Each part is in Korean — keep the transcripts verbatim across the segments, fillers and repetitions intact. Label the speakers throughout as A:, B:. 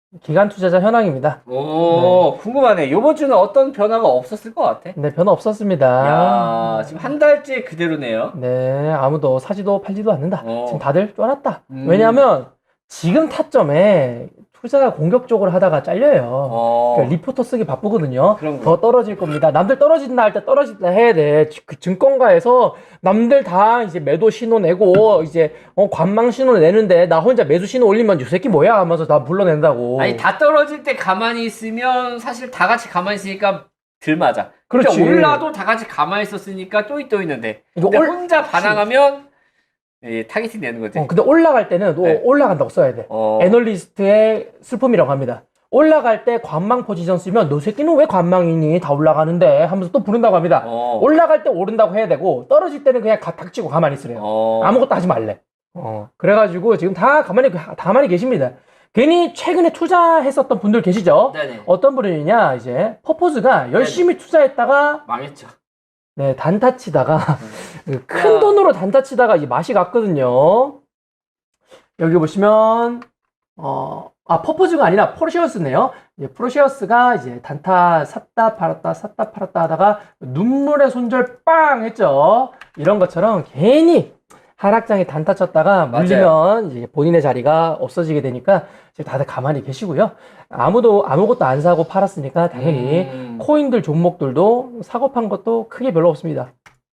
A: 기관 투자자 현황입니다.
B: 오, 네. 궁금하네. 이번 주는 어떤 변화가 없었을 것 같아?
A: 네, 변화 없었습니다.
B: 야, 지금 한 달째 그대로네요.
A: 네, 아무도 사지도 팔지도 않는다.
B: 어.
A: 지금 다들 쫄았다.
B: 음.
A: 왜냐하면 지금 타점에 투자가 공격적으로 하다가 잘려요.
B: 어.
A: 그러니까 리포터 쓰기 바쁘거든요.
B: 그런
A: 더 떨어질 겁니다. 남들 떨어진다 할 때 떨어진다 해야 돼. 그 증권가에서 남들 다 이제 매도 신호 내고 이제 어, 관망 신호 내는데 나 혼자 매수 신호 올리면 이 새끼 뭐야 하면서 다 불러낸다고.
B: 아니, 다 떨어질 때 가만히 있으면 사실 다 같이 가만히 있으니까 들 맞아.
A: 그렇지.
B: 그러니까 올라도 다 같이 가만히 있었으니까 또이 또 있는데.
A: 이거
B: 근데
A: 올-
B: 혼자 반항하면 예, 타겟팅 되는 거지.
A: 어, 근데 올라갈 때는 또
B: 네.
A: 올라간다고 써야 돼.
B: 어.
A: 애널리스트의 슬픔이라고 합니다. 올라갈 때 관망 포지션 쓰면 너 새끼는 왜 관망이니? 다 올라가는데 하면서 또 부른다고 합니다.
B: 어.
A: 올라갈 때 오른다고 해야 되고 떨어질 때는 그냥 가- 닥치고 가만히 있으래요.
B: 어.
A: 아무것도 하지 말래. 어. 그래가지고 지금 다 가만히 가만히 계십니다. 괜히 최근에 투자했었던 분들 계시죠?
B: 네네.
A: 어떤 분이냐 이제 퍼포즈가 열심히 투자했다가
B: 망했죠.
A: 네 단타 치다가 그 큰
B: 야.
A: 돈으로 단타 치다가 이 맛이 갔거든요. 여기 보시면 어, 아 퍼포즈가 아니라 포르쉐어스네요. 이제 포르쉐어스가 이제 단타 샀다 팔았다 샀다 팔았다 하다가 눈물의 손절 빵 했죠. 이런 것처럼 괜히 하락장에 단타 쳤다가 물리면 이제 본인의 자리가 없어지게 되니까 지금 다들 가만히 계시고요. 아무도 아무것도 안 사고 팔았으니까 당연히
B: 음.
A: 코인들 종목들도 사고 판 것도 크게 별로 없습니다.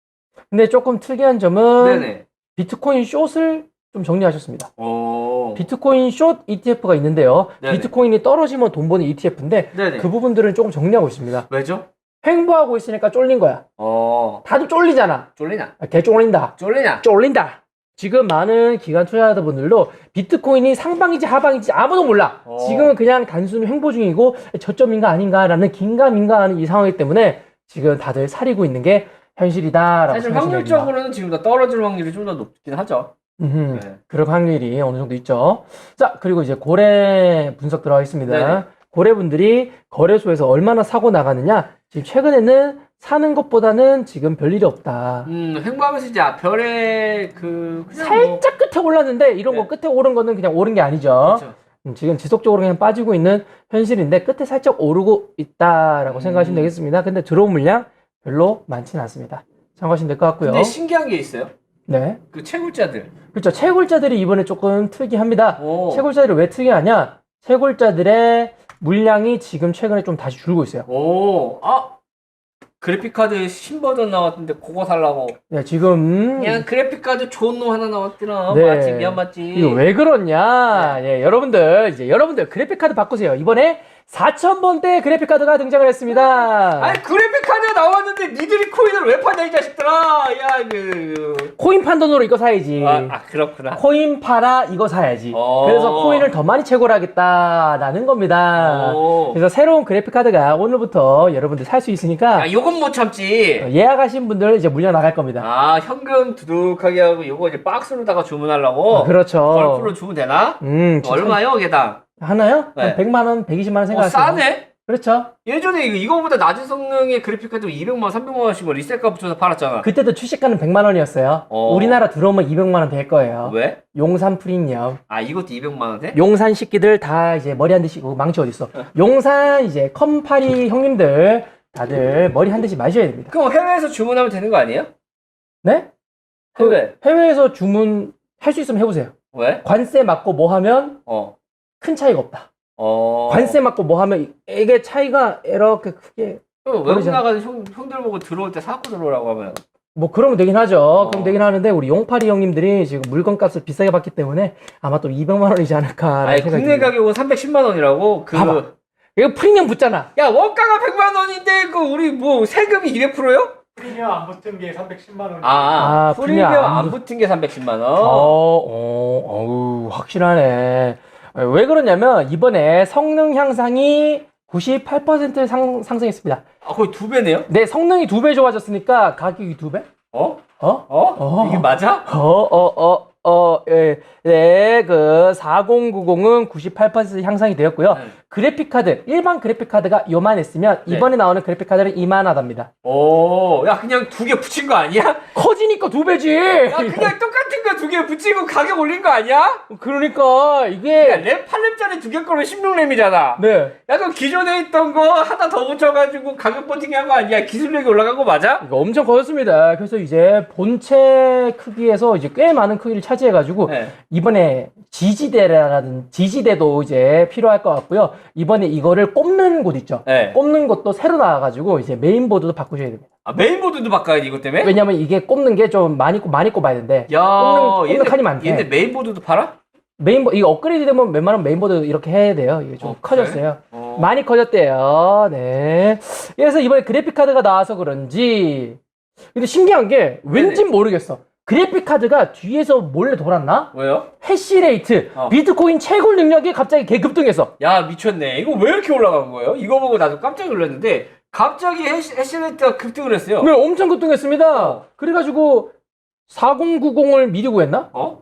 A: 근데 조금 특이한 점은
B: 네네.
A: 비트코인 숏을 좀 정리하셨습니다.
B: 오.
A: 비트코인 숏 이티에프가 있는데요.
B: 네네.
A: 비트코인이 떨어지면 돈 버는 이티에프인데
B: 네네.
A: 그 부분들은 조금 정리하고 있습니다.
B: 왜죠?
A: 횡보하고 있으니까 쫄린 거야.
B: 어.
A: 다들 쫄리잖아.
B: 쫄리나?
A: 아, 개 쫄린다.
B: 쫄리나?
A: 쫄린다. 지금 많은 기관 투자자분들도 비트코인이 상방인지 하방인지 아무도 몰라.
B: 어.
A: 지금은 그냥 단순히 횡보 중이고 저점인가 아닌가라는 긴가민가하는 이 상황이기 때문에 지금 다들 사리고 있는 게 현실이다라고
B: 사실
A: 생각하시면 됩니다.
B: 확률적으로는 지금 더 떨어질 확률이 좀 더 높긴 하죠.
A: 음흠,
B: 네.
A: 그럴 확률이 어느 정도 있죠. 자, 그리고 이제 고래 분석 들어가겠습니다.
B: 네네.
A: 고래분들이 거래소에서 얼마나 사고 나가느냐. 지금 최근에는 사는 것보다는 지금 별일이 없다.
B: 음, 횡보하면서 이제 별의 그 그냥
A: 살짝 끝에 올랐는데 이런
B: 네.
A: 거 끝에 오른 거는 그냥 오른 게 아니죠.
B: 그렇죠.
A: 음, 지금 지속적으로 그냥 빠지고 있는 현실인데 끝에 살짝 오르고 있다라고
B: 음.
A: 생각하시면 되겠습니다. 근데 들어온 물량 별로 많지는 않습니다. 참고하시면 될 것 같고요.
B: 근데 신기한 게 있어요.
A: 네.
B: 그 채굴자들.
A: 그렇죠. 채굴자들이 이번에 조금 특이합니다.
B: 오.
A: 채굴자들이 왜 특이하냐? 채굴자들의 물량이 지금 최근에 좀 다시 줄고 있어요.
B: 오, 아 그래픽카드 신버전 나왔던데 그거 살라고.
A: 네, 지금
B: 그냥 그래픽카드 좋은 놈 하나 나왔더라.
A: 네.
B: 맞지, 미안 맞지.
A: 이거 왜 그러냐? 예, 여러분들 이제 여러분들 그래픽 카드 바꾸세요. 이번에 사천 번대 그래픽 카드가 등장을 했습니다.
B: 아니 그래픽카드 나왔는데 니들이 코인을 왜 파냐 이 자식들아. 야 그.
A: 코인 판 돈으로 이거 사야지.
B: 아, 아 그렇구나.
A: 코인 팔아 이거 사야지.
B: 어.
A: 그래서 코인을 더 많이 채굴하겠다라는 겁니다.
B: 오.
A: 그래서 새로운 그래픽 카드가 오늘부터 여러분들 살 수 있으니까
B: 야 요건 못 참지.
A: 예약하신 분들 이제 물량 나갈 겁니다.
B: 아 현금 두둑하게 하고 요거 이제 박스로다가 주문하려고.
A: 아, 그렇죠.
B: 걸프로 주문 되나?
A: 음,
B: 얼마요 개당?
A: 하나요?
B: 네.
A: 한 백만 원, 백이십만 원
B: 어
A: 생각하세요.
B: 싸네?
A: 그렇죠.
B: 예전에 이거, 이거보다 낮은 성능의 그래픽카드 이백만 원, 삼백만 원씩 뭐 리셀가 붙여서 팔았잖아.
A: 그때도 출시가는 백만 원이었어요.
B: 어.
A: 우리나라 들어오면 이백만 원 될 거예요.
B: 왜?
A: 용산 프리미엄.
B: 아 이것도 이백만 원에?
A: 용산 식기들 다 이제 머리 한 대씩, 어, 망치 어딨어. 용산 이제 컴파리 형님들 다들 머리 한 대씩 마셔야 됩니다.
B: 그럼 해외에서 주문하면 되는 거 아니에요?
A: 네?
B: 해외.
A: 해외에서 주문 할 수 있으면 해보세요.
B: 왜?
A: 관세 맞고 뭐 하면
B: 어.
A: 큰 차이가 없다.
B: 어.
A: 관세 맞고 뭐 하면 이게 차이가 이렇게 크게
B: 그럼 외국
A: 모르잖아.
B: 나가는 형, 형들 보고 들어올 때 사고 들어오라고 하면.
A: 뭐 그러면 되긴 하죠.
B: 어.
A: 그럼 되긴 하는데 우리 용파리 형님들이 지금 물건값을 비싸게 받기 때문에 아마 또 이백만 원이지 않을까
B: 아니
A: 생각이
B: 국내
A: 듭니다.
B: 가격은 삼백십만 원이라고. 그.
A: 봐봐. 이거 프리미엄 붙잖아.
B: 야 원가가 백만 원인데 그 우리 뭐 세금이 이백 퍼센트요?
C: 프리미엄 안 붙은 게 삼백십만 원.
B: 아,
A: 아,
B: 프리미엄
A: 프리미엄
B: 안
A: 안
B: 붙은 게 삼백십만 원.
A: 어, 어, 어우, 확실하네. 왜 그러냐면 이번에 성능 향상이 구십팔 퍼센트 상, 상승했습니다.
B: 아 거의 두 배네요?
A: 네, 성능이 두 배 좋아졌으니까 가격이 두 배?
B: 어?
A: 어?
B: 어?
A: 어.
B: 이게 맞아?
A: 어, 어, 어. 어, 예, 네, 그 사공구공은 구십팔 퍼센트 향상이 되었고요.
B: 네.
A: 그래픽 카드, 일반 그래픽 카드가 요만했으면
B: 네.
A: 이번에 나오는 그래픽 카드는 이만하답니다.
B: 오, 야 그냥 두 개 붙인 거 아니야?
A: 커지니까 두 배지.
B: 야 그냥 똑같은 거 두 개 붙이고 가격 올린 거 아니야?
A: 그러니까
B: 야,
A: 이게
B: 램 팔 램짜리 두 개 거면 십육 램이잖아.
A: 네.
B: 약간 기존에 있던 거 하나 더 붙여가지고 가격 버티기 한 거 아니야? 기술력이 올라간 거 맞아?
A: 이거 엄청 커졌습니다. 그래서 이제 본체 크기에서 이제 꽤 많은 크기를 차지해가지고
B: 네.
A: 이번에 지지대라든 지지대도 이제 필요할 것 같고요. 이번에 이거를 꼽는 곳 있죠.
B: 네.
A: 꼽는 곳도 새로 나와가지고 이제 메인보드도 바꾸셔야 됩니다.
B: 아, 메인보드도 바꿔야 돼 이것 때문에?
A: 왜냐면 이게 꼽는 게 좀 많이 꼽- 많이 꼽아야 되는데
B: 야,
A: 꼽는, 꼽는 칸이 많대.
B: 얘네 메인보드도 팔아?
A: 메인보 이거 업그레이드 되면 웬만하면 메인보드 이렇게 해야 돼요. 이게 좀
B: 어,
A: 커졌어요.
B: 그래? 어.
A: 많이 커졌대요. 네. 그래서 이번에 그래픽 카드가 나와서 그런지 근데 신기한 게 왠진 모르겠어. 그래픽 카드가 뒤에서 몰래 돌았나?
B: 왜요?
A: 해시레이트,
B: 어.
A: 비트코인 채굴 능력이 갑자기 개급등했어.
B: 야 미쳤네. 이거 왜 이렇게 올라간 거예요? 이거 보고 나도 깜짝 놀랐는데 갑자기 해시, 해시레이트가 급등을 했어요.
A: 네, 엄청 급등했습니다. 그래가지고 사공구공을 미리 구했나?
B: 어?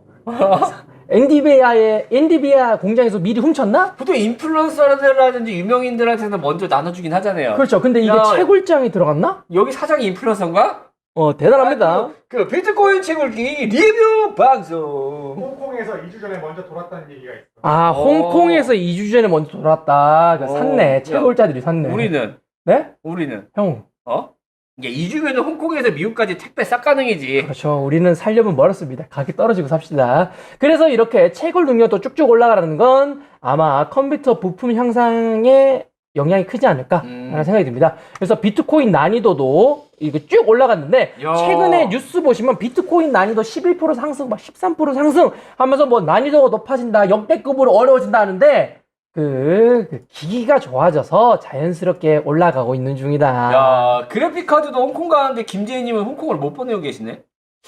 A: 엔비디아의 엔비디아 공장에서 미리 훔쳤나?
B: 보통 인플루언서라든지 유명인들한테는 먼저 나눠주긴 하잖아요.
A: 그렇죠. 근데 이게
B: 야.
A: 채굴장이 들어갔나?
B: 여기 사장이 인플루언서인가?
A: 어, 대단합니다.
B: 아, 그, 그 비트코인 채굴기 리뷰 방송.
C: 홍콩에서 이 주 전에 먼저 돌았다는 얘기가 있어.
A: 아,
B: 어.
A: 홍콩에서 이 주 전에 먼저 돌았다. 그
B: 어.
A: 샀네. 채굴자들이 샀네.
B: 우리는
A: 네?
B: 우리는
A: 형.
B: 어? 이게 이 주면은 홍콩에서 미국까지 택배 싹 가능이지.
A: 그렇죠. 우리는 살려면 멀었습니다. 가격 떨어지고 삽시다. 그래서 이렇게 채굴 능력도 쭉쭉 올라가는 건 아마 컴퓨터 부품 향상에 영향이 크지 않을까라는
B: 음.
A: 생각이 듭니다. 그래서 비트코인 난이도도 이거 쭉 올라갔는데
B: 야.
A: 최근에 뉴스 보시면 비트코인 난이도 십일 퍼센트 상승, 막 십삼 퍼센트 상승 하면서 뭐 난이도가 높아진다, 역대급으로 어려워진다 하는데 그, 그 기기가 좋아져서 자연스럽게 올라가고 있는 중이다.
B: 야 그래픽 카드도 홍콩 가는데 김재희님은 홍콩을 못 보내고 계시네.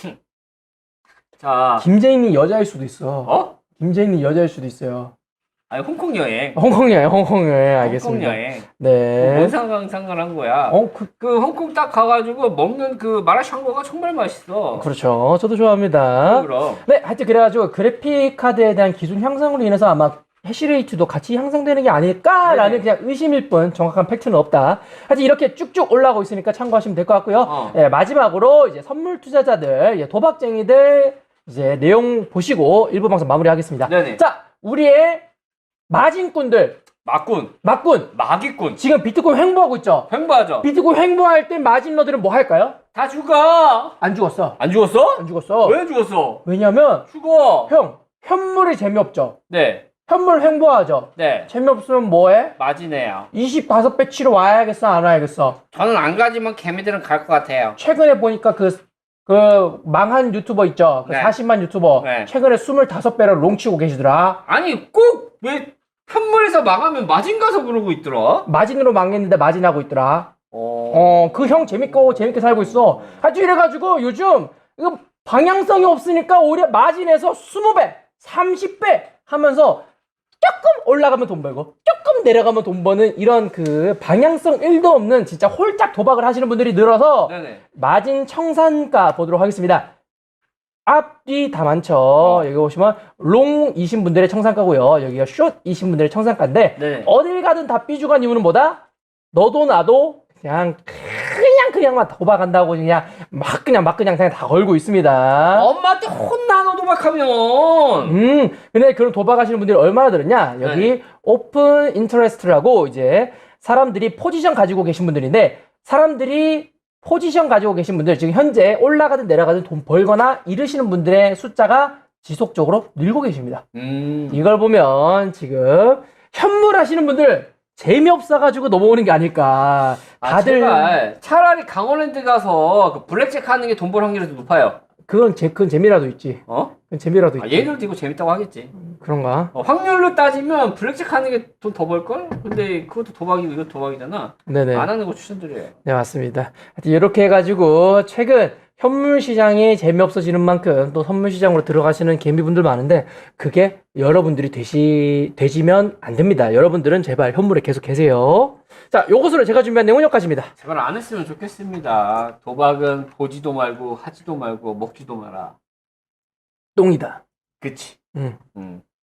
B: 자,
A: 김재인이 여자일 수도 있어.
B: 어?
A: 김재인이 여자일 수도 있어요.
B: 아니 홍콩 여행.
A: 홍콩 여행, 홍콩 여행, 알겠습니다.
B: 홍콩 여행.
A: 네.
B: 뭔 상관 상관한 거야?
A: 어, 그,
B: 그 홍콩 딱 가가지고 먹는 그 마라샹궈가 정말 맛있어.
A: 그렇죠. 저도 좋아합니다.
B: 그럼.
A: 네, 하여튼 그래가지고 그래픽 카드에 대한 기술 향상으로 인해서 아마 해시레이트도 같이 향상되는 게 아닐까라는
B: 네네.
A: 그냥 의심일 뿐 정확한 팩트는 없다. 하여튼 이렇게 쭉쭉 올라오고 있으니까 참고하시면 될 것 같고요.
B: 어.
A: 예, 마지막으로 이제 선물 투자자들, 예, 도박쟁이들 이제 내용 보시고 일부 방송 마무리하겠습니다.
B: 네네.
A: 자, 우리의 마진꾼들,
B: 마꾼,
A: 막꾼,
B: 마기꾼,
A: 지금 비트코인 횡보하고 있죠?
B: 횡보하죠.
A: 비트코인 횡보할 때 마진러들은 뭐 할까요?
B: 다 죽어.
A: 안 죽었어.
B: 안 죽었어?
A: 안 죽었어.
B: 왜 죽었어?
A: 왜냐면
B: 죽어.
A: 형, 현물이 재미없죠.
B: 네,
A: 현물 횡보하죠.
B: 네.
A: 재미없으면 뭐해?
B: 마지네요.
A: 이십오 배 치러 와야겠어, 안 와야겠어?
B: 저는 안 가지만 개미들은 갈 것 같아요.
A: 최근에 보니까 그, 그 망한 유튜버 있죠? 그
B: 네.
A: 사십만 유튜버.
B: 네.
A: 최근에 이십오 배를 롱치고 계시더라.
B: 아니 꼭 왜 현물에서 망하면 마진 가서 그러고 있더라.
A: 마진으로 망했는데 마진하고 있더라.
B: 어.
A: 어, 그 형 재밌고 재밌게 살고 있어. 하여튼 이래가지고 요즘 이거 방향성이 없으니까 오히려 마진에서 이십 배, 삼십 배 하면서 조금 올라가면 돈 벌고 조금 내려가면 돈 버는 이런 그 방향성 일도 없는 진짜 홀짝 도박을 하시는 분들이 늘어서
B: 네네.
A: 마진 청산가 보도록 하겠습니다. 앞뒤 다 많죠.
B: 어.
A: 여기 보시면 롱이신 분들의 청산가고요. 여기가 숏이신 분들의 청산가인데
B: 네.
A: 어딜 가든 다 삐죽한 이유는 뭐다? 너도 나도 그냥 그냥 그냥만 도박한다고 그냥 막 그냥 막 그냥 그냥 다 걸고 있습니다.
B: 엄마한테 혼나 너 도박하면.
A: 음, 근데 그런 도박하시는 분들이 얼마나 들었냐? 여기
B: 네.
A: 오픈 인터레스트라고 이제 사람들이 포지션 가지고 계신 분들인데 사람들이 포지션 가지고 계신 분들 지금 현재 올라가든 내려가든 돈 벌거나 잃으시는 분들의 숫자가 지속적으로 늘고 계십니다.
B: 음.
A: 이걸 보면 지금 현물 하시는 분들 재미없어가지고 넘어오는 게 아닐까.
B: 아,
A: 다들
B: 제발. 차라리 강원랜드 가서 그 블랙잭 하는 게 돈 벌 확률이 더 높아요.
A: 그건 제, 그건 재미라도 있지.
B: 어?
A: 그건 재미라도
B: 아,
A: 있지.
B: 얘들도 이거 재밌다고 하겠지.
A: 그런가?
B: 어, 확률로 따지면 블랙잭 하는 게 돈 더 벌걸? 근데 그것도 도박이고 이것도 도박이잖아.
A: 네네.
B: 안 하는 거 추천드려요.
A: 네, 맞습니다. 하여튼 이렇게 해가지고 최근 현물 시장이 재미없어지는 만큼 또 선물 시장으로 들어가시는 개미분들 많은데 그게 여러분들이 되시, 되시면 안 됩니다. 여러분들은 제발 현물에 계속 계세요. 자, 요것으로 제가 준비한 내용은 여기까지입니다.
B: 제발 안 했으면 좋겠습니다. 도박은 보지도 말고 하지도 말고 먹지도 마라.
A: 똥이다.
B: 그치.
A: 음.
B: 음.